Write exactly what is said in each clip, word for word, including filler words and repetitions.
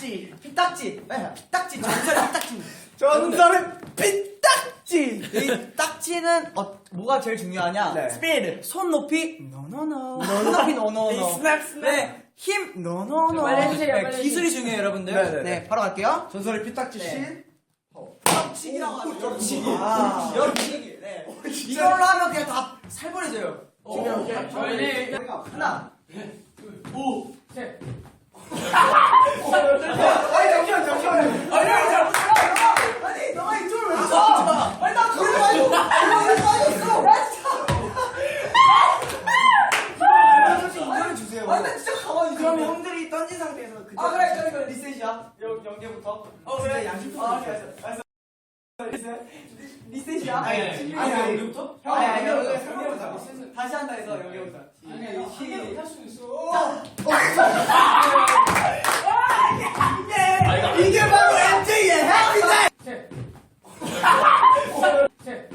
피딱지, 피딱지, 네, 피딱지, 전설의 피딱지. 전설의 피딱지. 이 딱지는 어, 뭐가 제일 중요하냐? 네. 스피드, 손 높이, 노노노, 손 높이 노노노. 스냅, 스냅. 네, 힘, 노노노. 빨리 해주세요, 네, 빨리 기술이 중요해요, 여러분들. 네, 네, 네, 네. 바로 갈게요. 전설의 피딱지 네. 신. 겹치기라고 하죠. 겹치기. 아. 겹치기. 네. 이걸로 하면 그냥 다 살벌해져요. 오케이, 오케이. 저희 하나, 오, 셋. 아니, 잠시만, 잠시만. 아니, 아니, 아니, 너가 이쪽으로 왜 가? 아니, 나 그래 가지고 그래 빠졌어. 인정해 주세요. 아니, 나 진짜 가만히 있어. 그럼 형들이 던진 상태에서 그 아, 그래, 그래, 그래. 리셋이야. 영, 영계부터? 어, 그래. 양심부터. 아, 알았어, 알았어. 리셋. 리셋이야. 아니, 아니, 아니, 아니, 여기부터? 아니, 아니, 여기, 여기, 여기, 여기부터. 여기. 다시 한다 해서 여기부터. 아니, 이거 한 개로 못할 수 있어. 이게 바로 엠제이의 해피타임! 셋. 셋.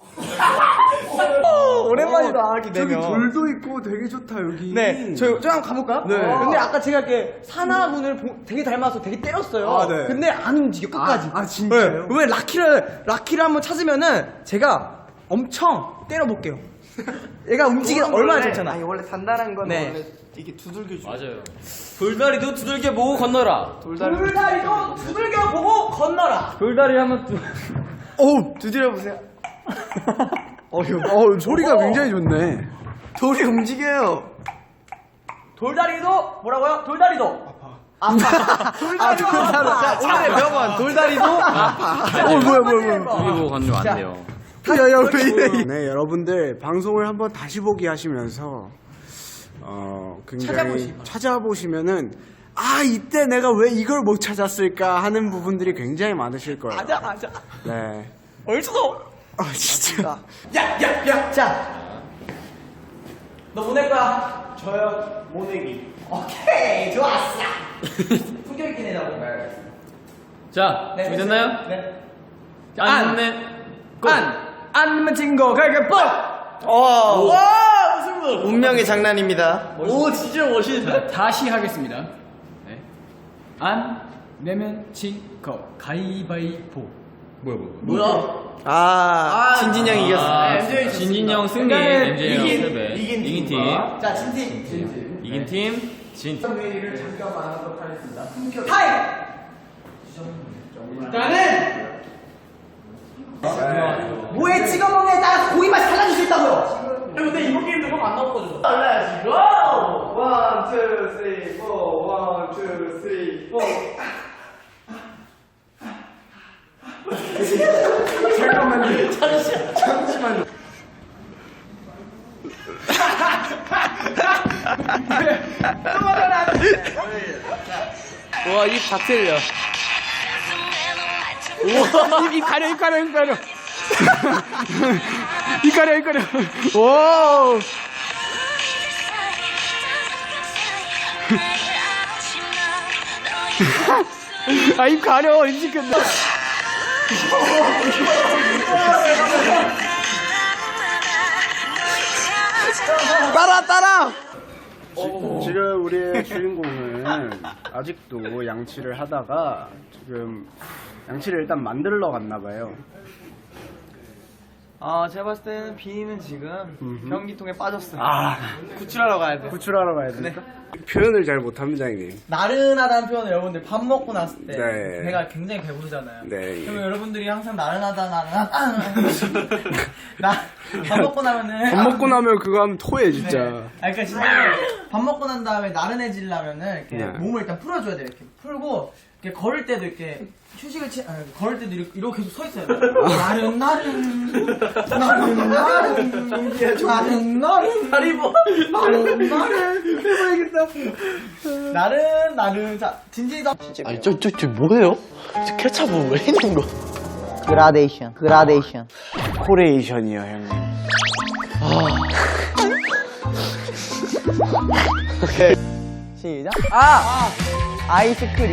오랜만이다, 이렇게 저기 되면. 돌도 있고 되게 좋다 여기. 네, 저, 저 한번 가볼까요? 네. 근데 아까 제가 이렇게 사나분을 보- 되게 닮아서 되게 때렸어요. 아, 네. 근데 안 움직여, 끝까지. 아, 아, 진짜요? 네. 왜 라키를, 라키를 한번 찾으면은 제가 엄청 때려볼게요. 얘가 움직이는 얼마나 좋잖아. 아니, 원래 단단한 건 네. 원래 이게 두들겨 줘. 맞아요. 돌다리도 두들겨 보고 건너라. 돌다리도 두들겨 보고 건너라. 돌다리 하면 두... 어우, 두드려 보세요. 어휴, 어 소리가 어. 굉장히 좋네. 돌이 움직여요. 돌다리도, 뭐라고요? 돌다리도. 아파. 돌다리도 아파. 자, 오늘의 명언 돌다리도 아파. 어, 뭐야, 뭐야, 뭐야. 돌이 보고 건너면 안 돼요. 야, 야, 왜 이래? 네, 여러분들 방송을 한번 다시 보기 하시면서 어 굉장히 찾아보시면은 아 이때 내가 왜 이걸 못 찾았을까 하는 부분들이 굉장히 많으실 거예요. 맞아, 맞아. 네. 얼추도. 아 진짜. 야, 야, 야. 자. 너 보낼 거야? 저요, 모내기. 오케이, 좋았어. 품격 있게 내자고. 자, 네, 준비됐나요? 네. 안, 네, 고! 안! 안 내면 진거 가위바위보! 와, 와, 무슨 분? 운명의 장난입니다. 오, 진짜 멋있다. 다시 하겠습니다. 네. 안 내면 진거 가위바위보. 뭐야, 뭐야. 뭐야? 아, 진진영이 이겼어. 아, 엠제이 진진영 승리, 그러니까는 엠제이 이긴- 패배. 이긴 이긴 팀. 팀. 자, 진팀. 이긴 팀, 진. 회의를 잠깐만 하도록 하겠습니다. 타임! 일단은 뭐에 찍어 먹냐에 따라서 고기 맛이 달라질 수 있다고요. 근데 이번 게임도 그거 안 나왔거든. 달라야지. 고! 원, 투, 쓰리, 포. 원, 투, 쓰리, 포. 잠깐만요. 잠시만. 잠시만요. 와, 입 다 틀려. 우와, 입 가려, 입 가려, 입 가려. 입 가려, 입 가려. 와. 아, 입 가려, 입 시켰다. 따라, 따라! 지금 우리의 주인공은 아직도 양치를 하다가 지금 양치를 일단 만들러 갔나 봐요. 아, 제가 봤을 때는 비니는 지금 음흠. 변기통에 빠졌어요. 아, 구출하러 가야 돼. 구출하러 가야 되니까. 표현을 잘 못합니다, 형님. 나른하다는 표현을 여러분들 밥 먹고 났을 때 네. 배가 굉장히 배부르잖아요. 네. 그러면 여러분들이 항상 나른하다 나른하다 나밥 먹고 나면은 밥 먹고 나면 그거 하면 토해, 진짜. 네. 아, 그러니까 진짜 밥 먹고 난 다음에 나른해지려면은 이렇게 네. 몸을 일단 풀어줘야 돼요. 이렇게 풀고 이렇게 걸을 때도 이렇게 휴식을 취, 아니, 걸을 때도 이렇게, 이렇게 계속 서 있어요. 나른 나른 나른 나른 나른 나른 다리 뭐 나른 나른 해봐야겠다. 나른 나른 자 진진이다. 아니, 저, 저, 저 뭐예요? 저 케찹은 왜 있는 거? 그라데이션, 그라데이션. 코레이션이요, 형님. 시작. 아! 아이스크림.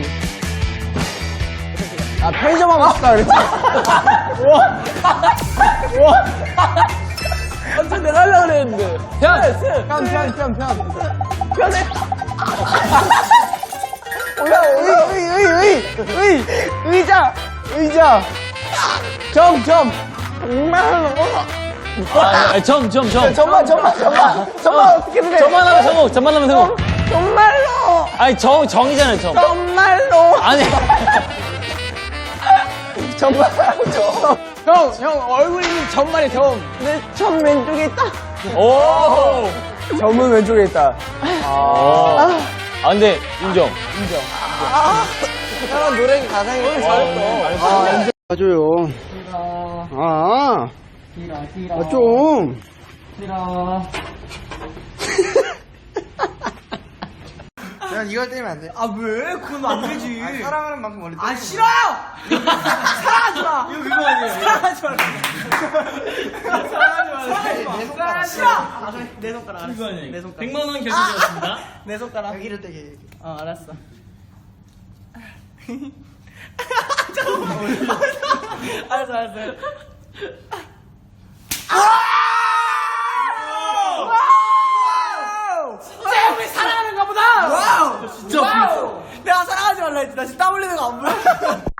아, 편의점 하고 싶다 그랬지. 완전 내가 하려고 그랬는데. 편! 편, 편, 편, 편. 편해. 뭐야, 의, 의, 의, 의, 의, 의자, 의자. 점, 점. 정말로. 아, 점, 점, 점. 점만, 점만, 점만. 점만 어떻게 돼? 점만 하면 성공, 점만 하면 성공. 정말로. 아니, 정, 정이잖아요, 정. 정말로. 아니. 정말로, 점. 형, 형 얼굴 있는 점만이 점. 내점 왼쪽에 있다. 오! 점은 왼쪽에 있다. 아, 아 근데, 인정. 형 노래 가사에 잘했어. 아, 맞아요. 아, 길어 길어 아, 좀. 길어. 야, 이걸 때리면 안 돼. 아 왜? 그건 안 되지. 사랑하는 만큼 원래 아 싫어요. 사랑하지 마. 이거 그거 아니에요? 사랑하지 마. 사랑하지 마. 내 손가락 싫어. 아, 그래. 내 손가락 알았어. 그거 아니에요? 내 손가락. 백만 원 결제되었습니다. 내 손가락. 여기를 떼게. 어 알았어. 알았어 알았어. 진짜 우리 사랑하는가 보다. 와우. 진짜. 와우. 내가 사랑하지 말라 했지. 나 지금 땀 흘리는 거 안 보여?